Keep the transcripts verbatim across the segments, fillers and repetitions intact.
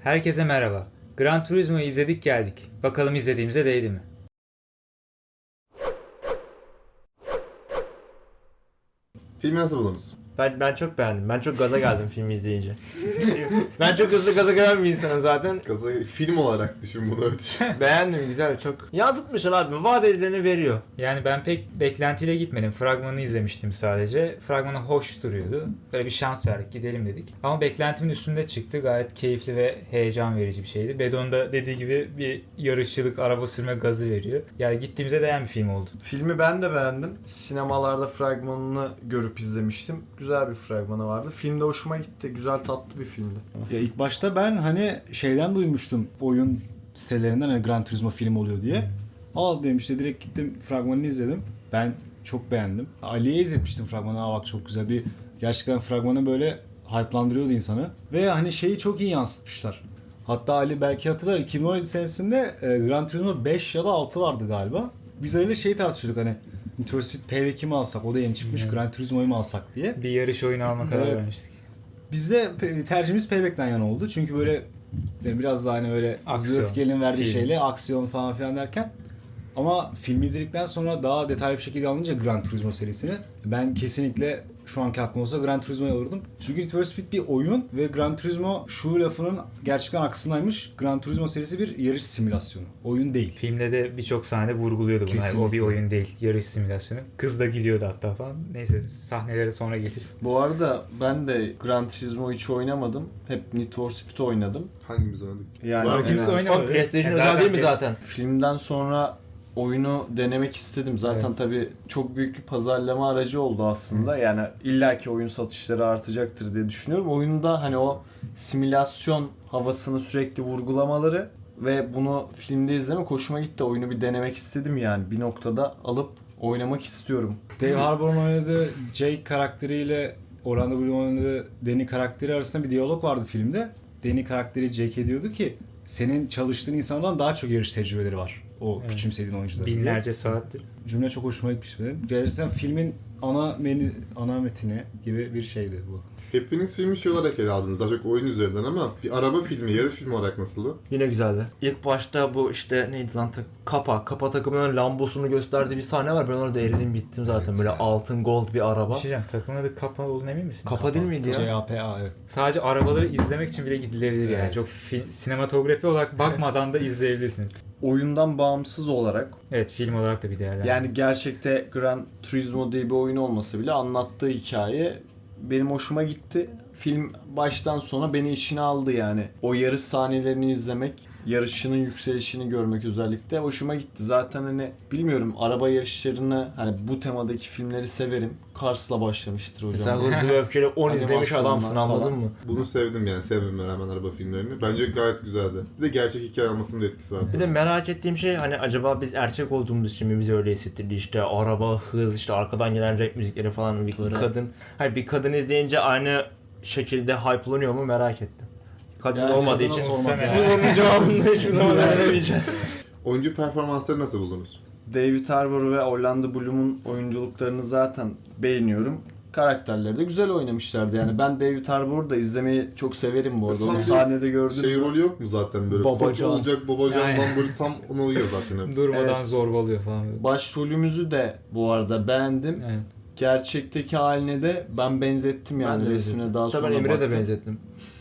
Herkese merhaba. Gran Turismo'yu izledik geldik. Bakalım izlediğimize değdi mi? Filmi nasıl buldunuz? Ben ben çok beğendim. Ben çok gaza geldim filmi izleyince. Ben çok hızlı gaza gelen bir insanım zaten. Kazı film olarak düşün bunu ölç. Beğendim, güzel, çok. Yansıtmışlar abi. Vaat edileni veriyor. Yani ben pek beklentiyle gitmedim. Fragmanı izlemiştim sadece. Fragmanı hoş duruyordu. Böyle bir şans verdik, gidelim dedik. Ama beklentimin üstünde çıktı. Gayet keyifli ve heyecan verici bir şeydi. Bedon da dediği gibi bir yarışçılık, araba sürme gazı veriyor. Yani gittiğimize değen bir film oldu. Filmi ben de beğendim. Sinemalarda fragmanını görüp izlemiştim. Güzel bir fragmanı vardı. Filmde hoşuma gitti. Güzel, tatlı bir filmdi. Ya ilk başta ben hani şeyden duymuştum, oyun sitelerinden hani Gran Turismo film oluyor diye. Al dedim, işte direkt gittim fragmanını izledim. Ben çok beğendim. Ali'ye izletmiştim fragmanı. Aa bak çok güzel bir, gerçekten fragmanı böyle hype'landırıyordu insanı. Ve hani şeyi çok iyi yansıtmışlar. Hatta Ali belki hatırlar, iki bin on yedi senesinde e, Gran Turismo beş ya da altı vardı galiba. Biz öyle şey tartışıyorduk hani, Need for Speed Payback'i mi alsak, o da yeni çıkmış, Evet. Gran Turismo'yu mu alsak diye. Bir yarış oyunu alma kararı Evet. vermiştik. Bizde pe- tercihimiz Payback'ten yana oldu. Çünkü böyle yani biraz daha hani böyle Aksiyon, Öfke'nin verdiği film. şeyle aksiyon falan filan derken, ama filmi izledikten sonra daha detaylı bir şekilde alınca Gran Turismo serisini, ben kesinlikle şu anki aklım olsa Gran Turismo'yu alırdım. Çünkü Need for Speed bir oyun ve Gran Turismo şu lafının gerçekten aksındaymış. Gran Turismo serisi bir yarış simülasyonu. Oyun değil. Filmde de birçok sahnede vurguluyordu bunu. Yani o bir Kesinlikle. oyun değil, yarış simülasyonu. Kız da gülüyordu hatta falan. Neyse, sahnelere sonra geliriz. Bu arada ben de Gran Turismo hiç oynamadım. Hep Need for Speed oynadım. Hangimiz oynadık? Yani Var mı? Kimse yani oynamadı. Oğlum PlayStation E, özel değil mi PS- zaten? filmden sonra oyunu denemek istedim. Zaten Evet. tabii çok büyük bir pazarlama aracı oldu aslında. Yani illaki oyun satışları artacaktır diye düşünüyorum. Oyunda hani o simülasyon havasını sürekli vurgulamaları ve bunu filmde izlemek hoşuma gitti. Oyunu bir denemek istedim yani. Bir noktada alıp oynamak istiyorum. Dave Harbour'un oynadığı Jake karakteriyle Orlando Bloom'un oynadığı Danny karakteri arasında bir diyalog vardı filmde. Danny karakteri Jake'e diyordu ki, senin çalıştığın insandan daha çok yarış tecrübeleri var o Evet. küçümsediğin oyuncuların diye. Binlerce saattir. Cümle çok hoşuma gitmiş benim. Gerçekten filmin ana menü, ana metini gibi bir şeydi bu. Hepiniz filmi şey olarak ele aldınız. Daha çok oyun üzerinden ama bir araba filmi, yarış filmi olarak nasıldı? Yine güzeldi. İlk başta bu işte neydi lan, ta- Kapa. Kapa takımının Lambosunu gösterdiği bir sahne var. Ben orada eridim bittim zaten. Evet Böyle ya. altın gold bir Bir araba. şey diyeceğim, takımın adı Kappa olduğunu emin misin? Kapa değil miydi ya? C A P A evet. Sadece arabaları izlemek için bile gidilebilir yani. Evet. Çok film, sinematografi olarak bakmadan da izleyebilirsiniz. Oyundan bağımsız olarak Evet, film olarak da bir değerlendirme. yani gerçekte Gran Turismo diye bir oyun olmasa bile anlattığı hikaye benim hoşuma gitti. Film baştan sona beni içine aldı yani. O yarış sahnelerini izlemek, yarışçının yükselişini görmek özellikle hoşuma gitti. Zaten hani bilmiyorum, araba yarışlarını hani bu temadaki filmleri severim. Cars'la başlamıştır hocam. Mesela Hızlı ve Öfkeli on izlemiş Animasyonlar adamsın, anladın falan. mı? Bunu sevdim yani. Sevmeme rağmen araba filmlerini. Bence gayet güzeldi. Bir de gerçek hikaye olmasının da etkisi vardı. Bir de merak ettiğim şey, hani acaba biz erkek olduğumuz için mi bize öyle hissettirdi, işte araba, hız, işte arkadan gelen rap müzikleri falan, bir Böyle. kadın. Hayır, bir kadın izleyince aynı şekilde hype'lanıyor mu merak ettim. Kadın Yani olmadığı kadına için sormak muhtemelen. lazım. bu onun cevabını hiçbir zaman veremeyeceğiz. Oyuncu performansları nasıl buldunuz? David Harbour ve Orlando Bloom'un oyunculuklarını zaten beğeniyorum. Karakterleri de güzel oynamışlardı yani. Ben David Harbour'u da izlemeyi çok severim bu arada. Tam Onu bir sahnede gördüm. Şey rolü yok mu zaten böyle? Koç Babacan. olacak babacandan Aynen. böyle tam ona uyuyor zaten hep. Durmadan Evet. zorbalıyor falan. Başrolümüzü de bu arada beğendim. Evet. Gerçekteki haline de ben benzettim yani Ben de resmine benzettim. daha Hatta sonra ben Emre'ye de baktım. benzettim.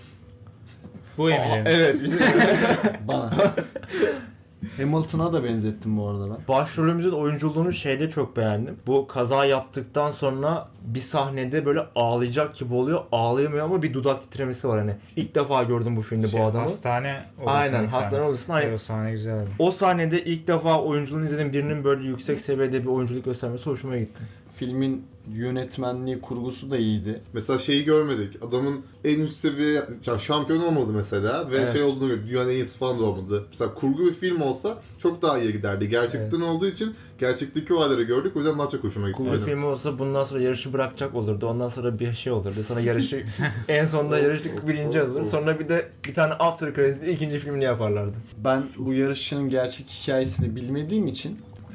Bu Emre. Evet, bizim Bana. Hamilton'a da benzettim bu arada ben. başrolümüzün oyunculuğunu şeyde çok beğendim. Bu kaza yaptıktan sonra bir sahnede böyle ağlayacak gibi oluyor. Ağlayamıyor ama bir dudak titremesi var hani. İlk defa gördüm bu filmde Şey, bu adamı. Hastane Aynen, odasındaki hastane sahne. odasında. Hani Evet, o sahne güzeldi. o sahnede ilk defa oyunculuğunu izlediğim birinin böyle yüksek seviyede bir oyunculuk göstermesi hoşuma gitti. Filmin yönetmenliği, kurgusu da iyiydi. Mesela şeyi görmedik. Adamın en üst seviye ya şampiyon olmadı mesela ve Evet. şey olduğunu gördük. Dünyanın en iyisi falan da olmadı. Mesela kurgu bir film olsa çok daha iyi giderdi. Gerçekten olduğu için gerçekteki o halleri gördük. O yüzden daha çok hoşuma gitti. Kurgu Aynen. filmi olsa bundan sonra yarışı bırakacak olurdu. Ondan sonra bir şey olurdu. Sonra yarışı en sonunda yarışı birinci alır. Sonra bir de bir tane after credit'li ikinci filmini yaparlardı. Ben bu yarışçının gerçek hikayesini bilmediğim için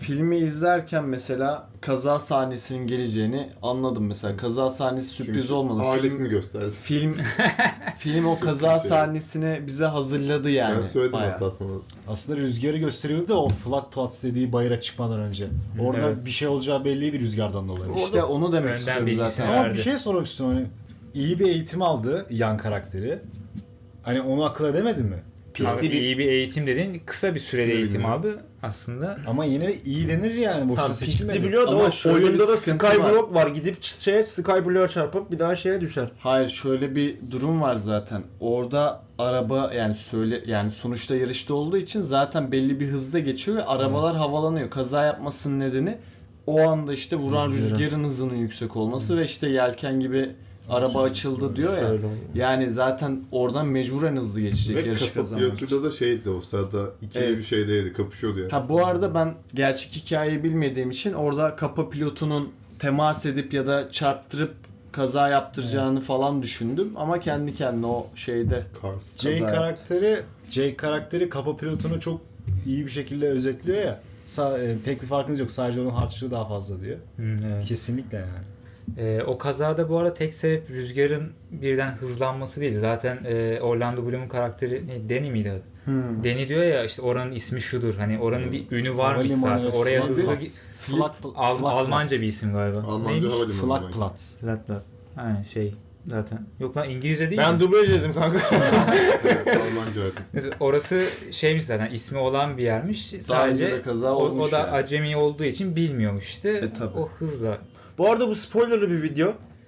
filmi izlerken mesela kaza sahnesinin geleceğini anladım mesela. Kaza sahnesi sürpriz Çünkü olmadı. ailesini Film, gösterdi. film film o kaza şey. sahnesini bize hazırladı yani. Ben söyledim bayağı. hatta sana. Aslında rüzgarı gösteriyordu da o Flakplatz dediği bayıra çıkmadan önce. Orada Evet. bir şey olacağı belliydi rüzgardan dolayı. İşte onu demek Önden istiyorum bilgisi zaten. var. Ama verdi. bir şey sormak istiyorum. Hani iyi bir eğitim aldı yan karakteri. Hani onu akıl edemedi mi? Abi iyi bir eğitim dedin. Kısa bir sürede Pisli eğitim bilmiyorum. aldı aslında. Ama yine de iyi denir yani. Boşuna Tam seçilmedi. pisti biliyor da Ama o şöyle bir oyunda da sıkıntı Skyblock var. Gidip şeye Skyblock'a çarpıp bir daha şeye düşer. Hayır, şöyle bir durum var zaten. Orada araba yani söyle yani sonuçta yarışta olduğu için zaten belli bir hızda geçiyor ve arabalar havalanıyor. Kaza yapmasının nedeni o anda işte vuran Rüzgarın. rüzgarın hızının yüksek olması ve işte yelken gibi araba açıldı diyor ya. Şöyle oluyor. Yani zaten oradan mecburen hızlı geçecek Ve yarışı kapı kazanmak için. pilotuyla da şeydi o sırada ikili Evet. bir şeydeydi, kapışıyordu yani. Ha bu arada ben gerçek hikayeyi bilmediğim için orada kapa pilotunun temas edip ya da çarptırıp kaza yaptıracağını falan düşündüm ama kendi kendine o şeyde Cars. Jay Kaza karakteri Jay karakteri kapa pilotunu çok iyi bir şekilde özetliyor ya. Sa- e, pek bir farkınız yok. Sadece onun harçlığı daha fazla diyor. Hı, evet. Kesinlikle yani. Ee, o kazada bu arada tek sebep rüzgarın birden hızlanması değil. Zaten e, Orlando Bloom'un karakteri ne, Danny miydi adı? Hmm. Danny diyor ya işte oranın ismi şudur. Hani oranın bir ünü varmış Havalimanı, zaten. Oraya Flak- hızlı Flak- gi- Flak- Al- Flakplatz. Almanca bir isim galiba. Almanca Neymiş? havalimanı. Flakplatz. Flatplatz. Aynen şey zaten. Yok lan İngilizce değil Ben mi? dublaj dedim kanka. Evet, Almanca evet. Mesela orası şeymiş zaten ismi olan bir yermiş. Daha Sadece önce de kaza o, olmuş o da yani. acemi olduğu için bilmiyormuş işte. E, tabii. O hızla. Bu arada bu spoilerlı bir video.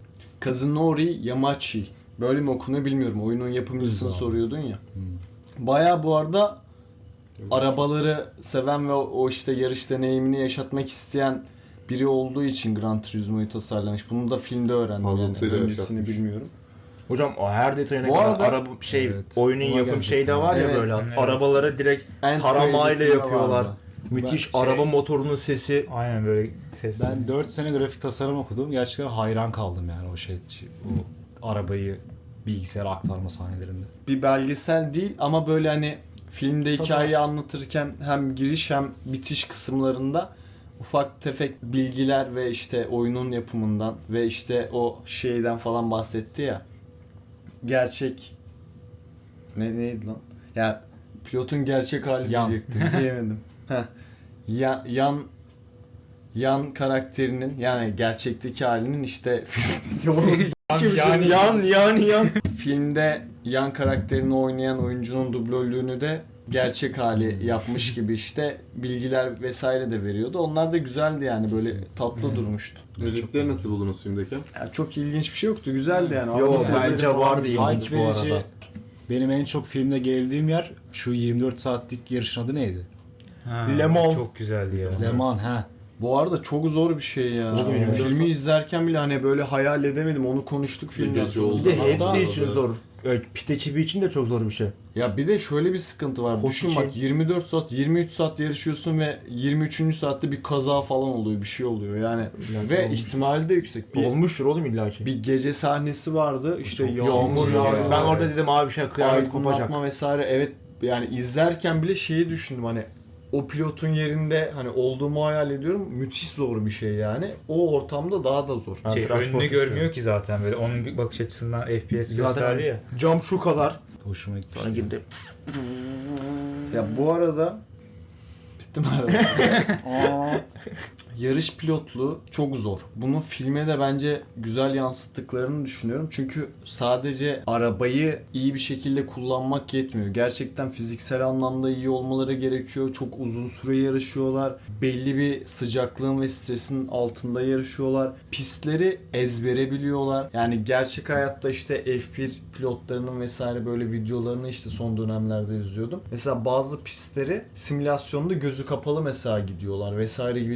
Kazunori Yamachi. Böyle mi okunuyor bilmiyorum. Oyunun yapımcısını Güzel. soruyordun ya. Baya bu arada arabaları seven ve o, o işte yarış deneyimini yaşatmak isteyen biri olduğu için Gran Turismo'yu tasarlamış. Bunu da filmde öğrendim. Fazlasıyla Yani. Öncesini yaşatmış. bilmiyorum. Hocam o her detayına Bu kadar arada- araba şey Evet. oyunun Ona yapım gelecektim. şeyde var ya Evet. böyle Evet. arabaları direkt End taramayla credit'inde yapıyorlar. vardı. Müthiş Ben- araba şey- motorunun sesi. Aynen böyle ses. Ben dört sene grafik tasarım okudum. Gerçekten hayran kaldım yani o şey, o arabayı bilgisayara aktarma sahnelerinde. Bir belgesel değil ama böyle hani filmde hikayeyi anlatırken hem giriş hem bitiş kısımlarında ufak tefek bilgiler ve işte oyunun yapımından ve işte o şeyden falan bahsetti ya. Gerçek ne neydi lan? Ya pilotun gerçek hali Yan. diyecektim. Diyemedim. Heh. Ya, yan yan karakterinin yani gerçekteki halinin işte yani Yan yan yan. filmde yan karakterini oynayan oyuncunun dublörlüğünü de gerçek hali yapmış gibi işte bilgiler vesaire de veriyordu. Onlar da güzeldi yani böyle tatlı durmuştu. Müzikleri nasıl buldunuz filmdeki? Yani çok ilginç bir şey yoktu. Güzeldi yani. Yo Araba sesleri bence falan vardı güzel. ilginç Hype bu verici, arada. benim en çok filmde geldiğim yer şu yirmi dört saatlik yarışın adı neydi? Ha, Le Mans. çok güzeldi ya. Le Mans ha. Bu arada çok zor bir şey ya. Oğlum, Yani yirmi dört filmi izlerken bile hani böyle hayal edemedim. Onu konuştuk filmden gece sonra. oldu. Bir de Hatta- hepsi için zor. Evet, pit ekibi için de çok zor bir şey. Ya bir de şöyle bir sıkıntı var. Koç Düşün için- bak yirmi dört saat, yirmi üç saat yarışıyorsun ve yirmi üçüncü saatte bir kaza falan oluyor. Bir şey oluyor yani. Yani ve olmuş. ihtimali de yüksek. Bir, Olmuştur oğlum illa ki. bir gece sahnesi vardı. İşte yağmur, Yağmur yağıyor. ya. Ben orada dedim abi şey kıyamet kopacak. Aydınlatma vesaire. Evet yani izlerken bile şeyi düşündüm hani o pilotun yerinde hani olduğumu hayal ediyorum. Müthiş zor bir şey yani. O ortamda daha da zor. Ben Şey, transport önünü istiyorum. görmüyor ki zaten böyle. Onun bir bakış açısından F P S Zaten gösterdi ya. cam şu kadar. Hoşuma gitti. Sonra girdi. Ya bu arada bitti mi araba? Yarış pilotluğu çok zor. Bunu filme de bence güzel yansıttıklarını düşünüyorum. Çünkü sadece arabayı iyi bir şekilde kullanmak yetmiyor. Gerçekten fiziksel anlamda iyi olmaları gerekiyor. Çok uzun süre yarışıyorlar. Belli bir sıcaklığın ve stresin altında yarışıyorlar. Pistleri ezbere biliyorlar. Yani gerçek hayatta işte F bir pilotlarının vesaire böyle videolarını işte son dönemlerde izliyordum. Mesela bazı pistleri simülasyonda gözü kapalı mesela gidiyorlar vesaire gibi detaylar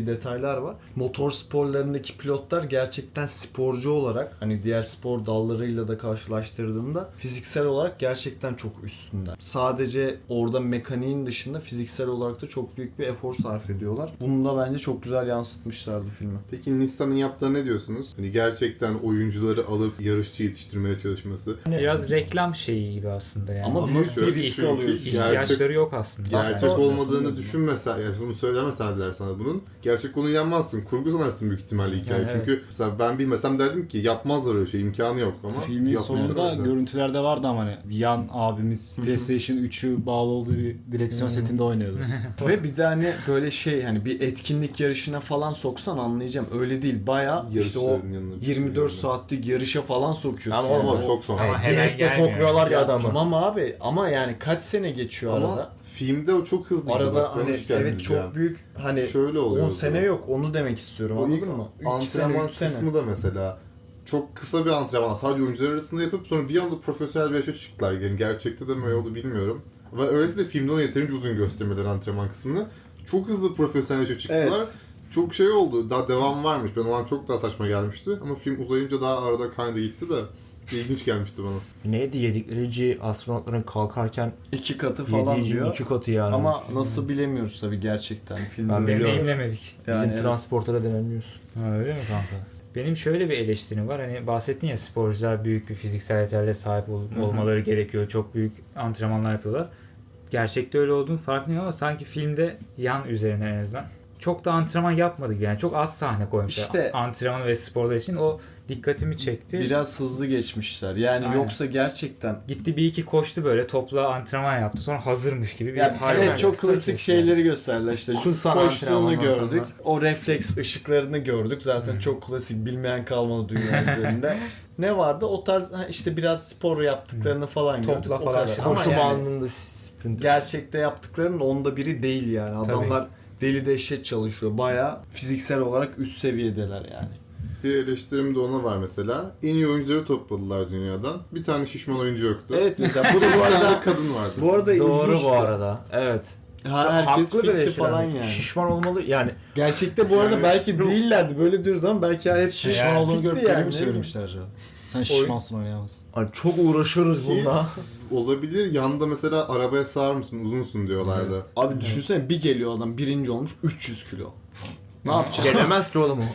şeyler var. Motor sporlarındaki pilotlar gerçekten sporcu olarak hani diğer spor dallarıyla da karşılaştırdığında fiziksel olarak gerçekten çok üstünler. Sadece orada mekaniğin dışında fiziksel olarak da çok büyük bir efor sarf ediyorlar. Bunu da bence çok güzel yansıtmışlardı filmi. Peki Nissan'ın yaptığına ne diyorsunuz? Hani gerçekten oyuncuları alıp yarışçı yetiştirmeye çalışması. Biraz reklam şeyi gibi aslında yani. Ama Ama büyük şöyle bir risk çünkü alıyorsun. İhtiyaçları gerçek, yok aslında. gerçek Aslında- olmadığını düşünmesen, yani bunu söylemeseler sana bunun, gerçek onu inanmazsın. Kurgu sanarsın büyük ihtimalle hikaye. Evet. Çünkü mesela ben bilmesem derdim ki yapmazlar öyle şey, imkanı yok ama Filmin yapmışlar sonunda öyle. görüntülerde vardı ama hani Yan abimiz PlayStation üçü bağlı olduğu bir direksiyon setinde oynuyordu. Ve bir de hani böyle şey hani bir etkinlik yarışına falan soksan anlayacağım. Öyle değil. Bayağı işte o Yarışçıların yanına bir şey yirmi dört yani. saatlik yarışa falan sokuyorsun. Ama yani. Ama O- çok sonra. Ama hemen Direktle gelmiyor. sokuyorlar ya Ya adamı. tamam abi ama yani kaç sene geçiyor Ama arada? filmde o çok hızlı. Arada hani evet çok ya. büyük hani Şöyle oluyor. on o sene zaman. yok onu demek istiyorum O ilk anladın mı? üç sene, antrenman üç sene. kısmı da mesela çok kısa bir antrenman. Sadece oyuncular arasında yapıp sonra bir anda profesyonel bir yaşa çıktılar. Yani gerçekte de mi öyle oldu bilmiyorum. Ve öylesi de filmde onu yeterince uzun göstermediler antrenman kısmını. Çok hızlı profesyonel yaşa çıktılar. Evet. Çok şey oldu. Daha devam varmış. Ben o an çok daha saçma gelmişti. Ama film uzayınca daha arada kaydı gitti de ilginç gelmişti bana. Neydi yedikleri astronotların kalkarken İki katı falan yediği diyor. iki katı yani. Ama nasıl bilemiyoruz tabii gerçekten filmde. Ben öyle. biliyorum. Deneyimlemedik. bizim Yani evet. transportlara denemiyoruz. Ha, öyle mi kanka? Benim şöyle bir eleştirim var. Hani bahsettin ya sporcular büyük bir fiziksel yeterliğe sahip ol- olmaları gerekiyor. Çok büyük antrenmanlar yapıyorlar. Gerçekte öyle olduğunu farkındayım ama sanki filmde yan üzerine en azından çok da antrenman yapmadı gibi. Yani çok az sahne koymuşlar. İşte- Antrenman ve sporlar için o dikkatimi çekti. Biraz hızlı geçmişler. Yani Aynen. yoksa gerçekten Gitti bir iki koştu böyle topla antrenman yaptı. Sonra hazırmış gibi bir yani hal evet var. çok Kısa klasik kes şeyleri gösterdiler işte. Kusan Koştuğunu antrenmandan gördük. O refleks ışıklarını gördük. Zaten çok klasik bilmeyen kalmadı dünya üzerinde. Ne vardı? O tarz ha, işte biraz spor yaptıklarını falan Topla gördük. O falan kadar. şey. Ama Koşu yani bandında sprint. gerçekte yaptıklarının onda biri değil yani. Adamlar deli dehşet çalışıyor. Bayağı fiziksel olarak üst seviyedeler yani. Bir eleştirim de ona var mesela. En iyi oyuncuları topladılar dünyadan. Bir tane şişman oyuncu yoktu. Evet mesela bu da bu Bir tane arada de kadın vardı. bu arada Doğru ilginçti. bu arada. Evet. Ha, herkes Haklı bir fitti eleştiri. falan yani. Şişman olmalı yani. Gerçekte bu arada Yani- belki değillerdi. Böyle diyoruz ama belki hep Şişman Yani olduğunu fitti görüp yani, yani, mi değil mi? söylemişler acaba? Sen şişmansın oynayamazsın. Hani çok uğraşıyoruz bununla. Olabilir. Yanında mesela arabaya sığar mısın, uzunsun diyorlardı. Abi düşünsene bir geliyor adam birinci olmuş üç yüz kilo. Ne yapacak? Gelemez ki oğlum o.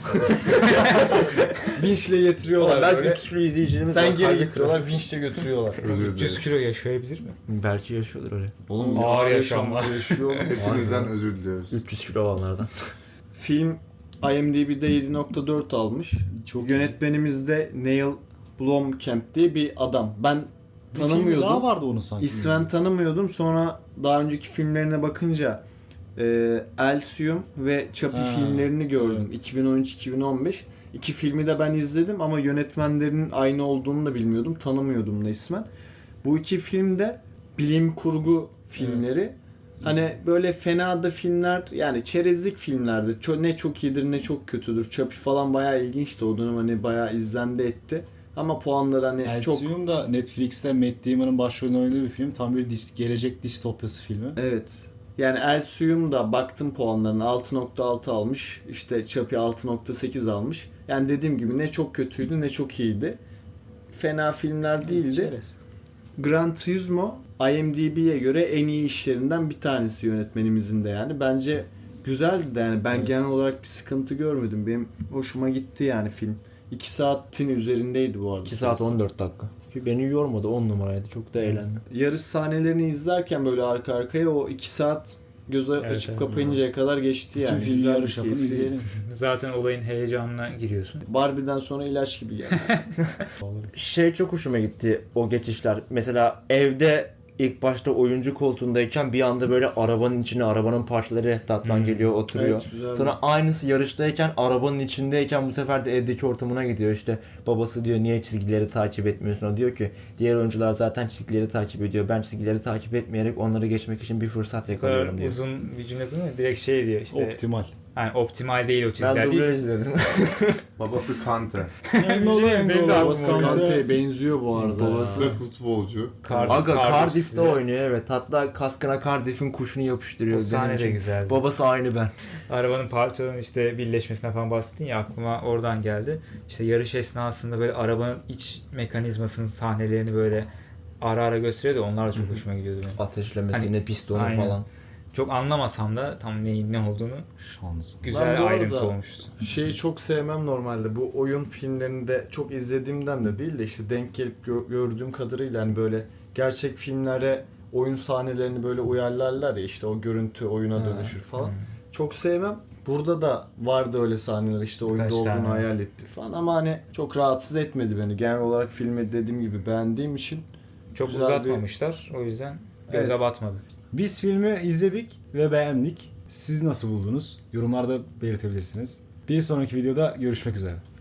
Vinçle getiriyorlar Oğlum belki böyle. üç sürü izleyicilerimiz var. Sen geri Kaybettiler. getiriyorlar vinçle götürüyorlar. Özür üç yüz dilerim. kilo yaşayabilir mi? Belki yaşıyordur öyle. Oğlum Ağır ağır yaşamlar. yaşamlar yaşıyor oğlum. Hepinizden özür diliyoruz. üç yüz kilo olanlardan. Film IMDb'de yedi nokta dört almış. Çok yönetmenimiz de Neil Blomkamp diye bir adam. Ben Bir filmi daha tanımıyordum. vardı onun sanki. İsven tanımıyordum. Sonra daha önceki filmlerine bakınca e, Elysium ve Chappie Ha, filmlerini gördüm. evet. iki bin on üç iki bin on beş. İki filmi de ben izledim ama yönetmenlerinin aynı olduğunu da bilmiyordum. Tanımıyordum da ismen. Bu iki film de bilim kurgu filmleri. Hani böyle fena da filmler yani çerezlik filmlerdi. Ço- ne çok iyidir ne çok kötüdür. Chappie falan bayağı ilginçti. O dönem hani bayağı izlendi etti. Ama puanları hani çok... Elysium da Netflix'te Matt Damon'ın başrolünde oynadığı bir film. Tam bir dis- gelecek distopyası filmi. Evet. Yani Elysium da baktım puanlarına altı nokta altı almış. İşte Chappie altı nokta sekiz almış. Yani dediğim gibi ne çok kötüydü ne çok iyiydi. Fena filmler değildi. Çerez. Gran Turismo IMDb'ye göre en iyi işlerinden bir tanesi yönetmenimizin de yani. Bence güzeldi de yani ben Evet. genel olarak bir sıkıntı görmedim. Benim hoşuma gitti yani film. iki saatin üzerindeydi bu arada. iki saat on dört dakika. Beni yormadı, on numaraydı. Çok da eğlendim. Yarış sahnelerini izlerken böyle arka arkaya o iki saat göze Evet, açıp evet. kapayıncaya kadar geçti yani. Tüm filmi Güzel, yarış yapın keyifli. izleyelim. Zaten olayın heyecanına giriyorsun. Barbie'den sonra ilaç gibi geldi. Şey çok hoşuma gitti o geçişler. Mesela evde ilk başta oyuncu koltuğundayken bir anda böyle arabanın içine arabanın parçaları tatlan Hmm. geliyor, oturuyor. Evet, güzel. Sonra aynısı yarıştayken arabanın içindeyken bu sefer de evdeki ortamına gidiyor. İşte babası diyor niye çizgileri takip etmiyorsun? O diyor ki diğer oyuncular zaten çizgileri takip ediyor. Ben çizgileri takip etmeyerek onları geçmek için bir fırsat Bu kadar yakalıyorum diyor. uzun bir cümle değil mi? Direkt şey diyor işte Optimal. Yani optimal değil o Ben çizgiler değil. dublaj izledim. Babası Kante. Engolo benim de Engolo. Babası Kante. Kante'ye benziyor bu arada. Babası ya. da futbolcu. Cardiff- Aga Cardiff'te Cardiff'te. oynuyor evet. Hatta kaskına Cardiff'in kuşunu yapıştırıyor. O sahne benim de için. güzeldi. Babası aynı ben. Arabanın parçalarının işte birleşmesine falan bahsettin ya, aklıma oradan geldi. İşte yarış esnasında böyle arabanın iç mekanizmasının sahnelerini böyle ara ara gösteriyordu. Onlar da çok hoşuma gidiyordu benim. Ateşlemesine, Hani- pistonu Aynen. falan. Çok anlamasam da tam neyin ne olduğunu Şans. güzel Ben bu ayrıntı arada- olmuştu. Şeyi çok sevmem normalde. Bu oyun filmlerinde çok izlediğimden de değil de işte denk gelip gö- gördüğüm kadarıyla hani böyle gerçek filmlere oyun sahnelerini böyle uyarlarlar ya, işte o görüntü oyuna Ha. dönüşür falan. Çok sevmem. Burada da vardı öyle sahneler, işte oyunda Birkaç olduğunu tane. hayal etti falan ama hani çok rahatsız etmedi beni. Genel olarak filmi dediğim gibi beğendiğim için Çok güzel bir- uzatmamışlar. O yüzden göze Evet. batmadı. Biz filmi izledik ve beğendik. Siz nasıl buldunuz? Yorumlarda belirtebilirsiniz. Bir sonraki videoda görüşmek üzere.